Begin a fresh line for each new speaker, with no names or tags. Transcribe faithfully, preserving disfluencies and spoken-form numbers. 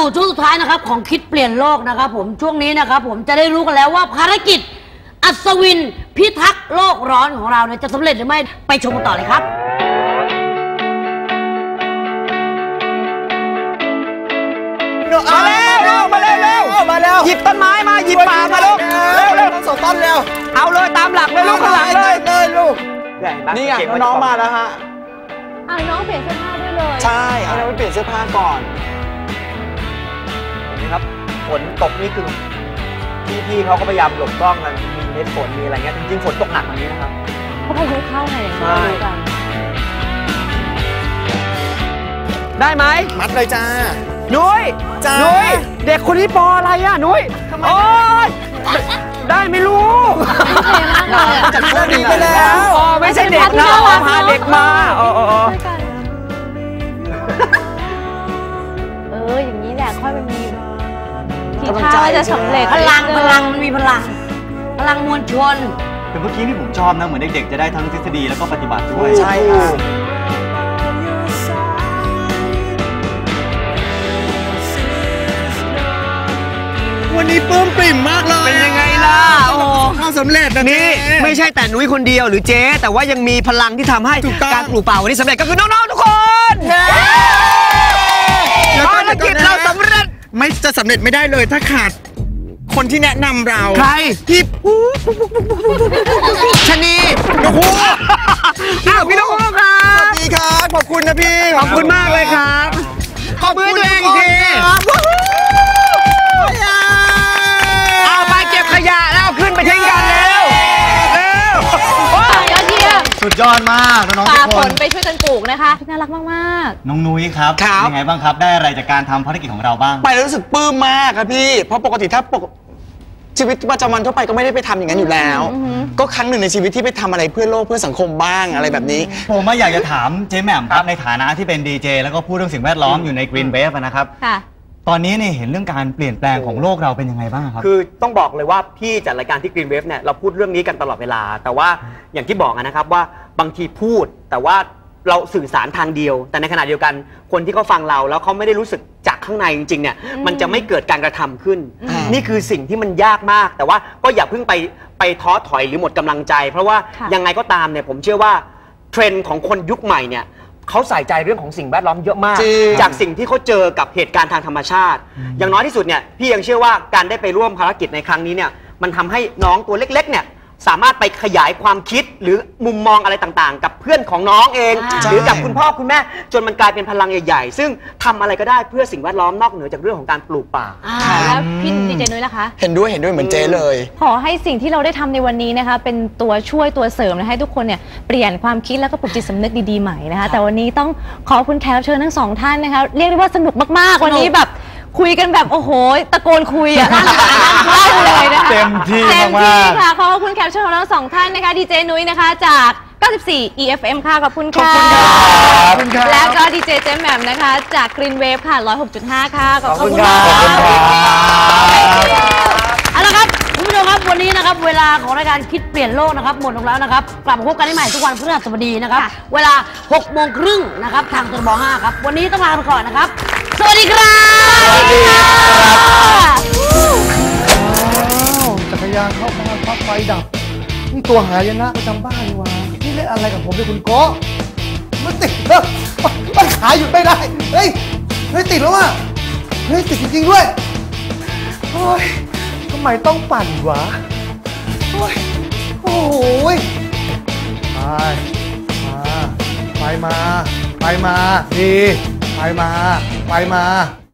ช่วงสุดท้ายนะครับของคิดเปลี่ยนโลกนะครับผมช่วงนี้นะครับผมจะได้รู้กันแล้วว่าภารกิจอัศวินพิทักษ์โลกร้อนของเราเนี่ยจะสำเร็จหรือไม่ไปชมกันต่อเลยครับ
มาแล้วมาแล้วเร็วมาแล้วหยิบต้นไม้มาหยิบป่ามาลูกเร็วเร็วทั้งสองต้นเร็วเอาเลยตามหลักเลยลูกข้างหลังเลยเลยลูกนี่ไงน้องมาแล้วฮะ
อ่ะน้องเปลี่ยนเสื้อผ้าด้วยเลย
ใช่เอาน้องไปเปลี่ยนเสื้อผ้าก่อนนี่ครับฝนตกนี่คือพี่ๆเขาก็พยายามหลบกล้องกันมีเม็ดฝนมีอะไรเงี้ยจริงๆฝนตกหนักกว่านี้นะครับ
เขาพายุเข้าไงอย่างนี้ดูกัน
ได้ไหมมัดเลยจ้านุ้ยจ้านุ้ยเด็กคนนี้ปออะไรอ่ะนุ้ยโอ๊ยได้ไม่รู้จัดเสื้อดีไปแล้วอ๋อไม่ใช่เด็กนะพาเด็กมาอ๋อ
เอออย่างนี้แหละค่อยมันมีทีท่าจะสำเร็จ
พลังพลังมันมีพลังพลังมวลชน
แต่เมื่อกี้ที่ผมชอบนะเหมือนเด็กๆจะได้ทั้งทฤษฎีแล้วก็ปฏิบัติด้วย
ใช่ค่ะวันนี้ปลื้มปริ่มมากเลยเป็นยังไงล่ะโอ้ข้าวสำเร็จนี่ไม่ใช่แต่นุ้ยคนเดียวหรือเจ๊แต่ว่ายังมีพลังที่ทำให้การปลูกป่าวันนี้สำเร็จก็คือน้องๆทุกคนภารกิจเราสำเร็จไม่จะสำเร็จไม่ได้เลยถ้าขาดคนที่แนะนำเราใครพี่ชนีนกฮูกอ้าวพี่นกฮูกครับสวัสดีครับขอบคุณนะพี่ขอบคุณมากเลยครับขอบคุณตัวเองอีกทีเอาไปเก็บขยะแล้วขึ้นไปทิ้งกันเร็วเร็วยอดเยี่ยม
สุดยอดมากน้องๆทุกคน
ป่าฝนไปช่วยกันปลูกนะคะน่ารักมาก
ๆน้องนุ้ยครับยังไงบ้างครับได้อะไรจากการทำภารกิจของเราบ้าง
ไปแล้วรู้สึกปลื้มมากครับพี่เพราะปกติถ้าปกชีวิตประจำวันทั่วไปก็ไม่ได้ไปทำอย่างนั้นอยู่แล้วก็ครั้งหนึ่งในชีวิตที่ไปทำอะไรเพื่อโลกเพื่อสังคมบ้างอะไรแบบนี้
ผมอยากจะถามเจ๊แหม่มครับในฐานะที่เป็นดีเจแล้วก็พูดเรื่องสิ่งแวดล้อมอยู่ใน Green Wave นะครับตอนนี้เนี่ยเห็นเรื่องการเปลี่ยนแปลงของโลกเราเป็นยังไงบ้างครับ
คือต้องบอกเลยว่าพี่จัดรายการที่ Green Wave เนี่ยเราพูดเรื่องนี้กันตลอดเวลาแต่ว่าอย่างที่บอกนะครับว่าบางทีพูดแต่ว่าเราสื่อสารทางเดียวแต่ในขณะเดียวกันคนที่เขาฟังเราแล้วเขาไม่ได้รู้สึกจากข้างในจริงๆเนี่ยมันจะไม่เกิดการกระทำขึ้นนี่คือสิ่งที่มันยากมากแต่ว่าก็อย่าเพิ่งไปไปท้อถอยหรือหมดกำลังใจเพราะว่ายังไงก็ตามเนี่ยผมเชื่อว่าเทรนด์ของคนยุคใหม่เนี่ยเขาใส่ใจเรื่องของสิ่งแวดล้อมเยอะมากจากสิ่งที่เขาเจอกับเหตุการณ์ทางธรรมชาติอย่างน้อยที่สุดเนี่ยพี่ยังเชื่อว่าการได้ไปร่วมภารกิจในครั้งนี้เนี่ยมันทำให้น้องตัวเล็กๆเนี่ยสามารถไปขยายความคิดหรือมุมมองอะไรต่างๆกับเพื่อนของน้องเองหรือกับคุณพ่อคุณแม่จนมันกลายเป็นพลังใหญ่ๆซึ่งทำอะไรก็ได้เพื่อสิ่งแวดล้อมนอกเหนือจากเรื่องของการปลูกป่า
แล้วพี่ดีเจนุ้ยนะคะ
เห็นด้วยเห็นด้วยเหมือนเจ๊เลย
ขอให้สิ่งที่เราได้ทำในวันนี้นะคะเป็นตัวช่วยตัวเสริมให้ทุกคนเนี่ยเปลี่ยนความคิดแล้วก็ปลุกจิตสำนึกดีๆใหม่นะคะแต่วันนี้ต้องขอบคุณแขกรับเชิญทั้งสองท่านนะคะเรียกได้ว่าสนุกมากๆวันนี้แบบคุยกันแบบโอ้โหตะโกนคุยอ่ะน่ารักเลยนะคะ
เต็มที่
เต็มที่ค่ะขอบคุณแขกรับเชิญของเราสองท่านนะคะดีเจนุ้ยนะคะจากเก้าสิบสี่ อี เอฟ เอ็ม ค่ะขอบคุณค่ะแล้วก็ดีเจเจมแหม่มนะคะจาก Green Wave ค่ะ หนึ่งร้อยหกจุดห้า ค่ะขอบคุณค่ะ
เอาละครับคุณผู้ชมครับวันนี้นะครับเวลาของรายการคิดเปลี่ยนโลกนะครับหมดลงแล้วนะครับกลับมาพบกันได้ใหม่ทุกวันพฤหัสบดีนะครับเวลาหกโมงครึ่งนะครับทางทบห้าครับวันนี้ต้องลาไปก่อนนะครับสวัสดีครับสวัสดีครับ
จักรยานเข้าบ้านพักไฟดับนี่ตัวหายนะประจำบ้านนี่วะนี่เล่นอะไรกับผมด้วยคุณโก้มันติดแล้วมันขายหยุดไม่ได้เฮ้ยเฮ้ยติดแล้วว่ะเฮ้ยติดจริงๆด้วยโอ้ยทำไมต้องปั่นวะโอ้ยโอ้ยไปมาไปมาไปมาดีไปมาไปมา